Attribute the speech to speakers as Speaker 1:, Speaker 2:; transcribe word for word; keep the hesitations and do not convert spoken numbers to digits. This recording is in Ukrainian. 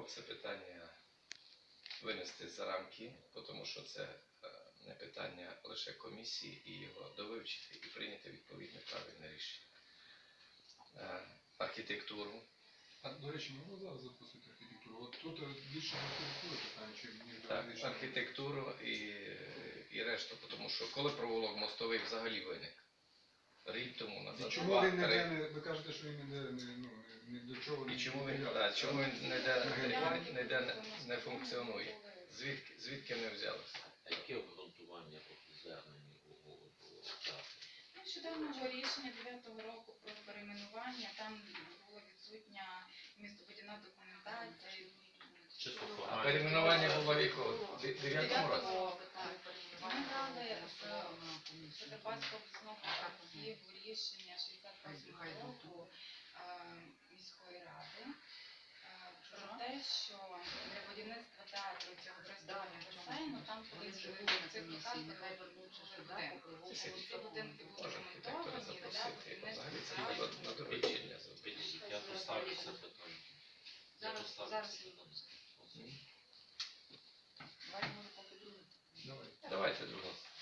Speaker 1: пропонував це питання винести за рамки, тому що це не питання лише комісії, і його довивчити і прийняти відповідне правильне рішення. Архітектуру.
Speaker 2: А, до речі, можна зараз запустити архітектуру? От тут більше архітектури питання, чи ніж
Speaker 1: Так, архітектуру і, і решту, тому що коли провулок мостовий взагалі виник? Рік тому назад.
Speaker 2: І чому він ніде не, ви кажете, що він ніде не, ну, ні до чого не...
Speaker 1: І чому він, да, чому він ніде, ніде не, не функціонує? Звідки, звідки не взялося?
Speaker 3: А яке обґрунтування по зверненню у часу?
Speaker 4: Нещодавнього рішення дев'ятого року про перейменування, там була відсутня містобудівна документація.
Speaker 1: А перейменування було в якому? В дев'ятому році?
Speaker 4: Ми брали з Закарпатського обласного архіву рішення шістдесят восьмого року міської ради про те, що для будівництва театру цього користування басейну там колись було в цих локаціях будинки. Ці будинки були ремонтовані для будівництва театру.
Speaker 1: На доручення.
Speaker 3: Я поставлю це питання. Я поставлю це питання.
Speaker 1: Давайте друге.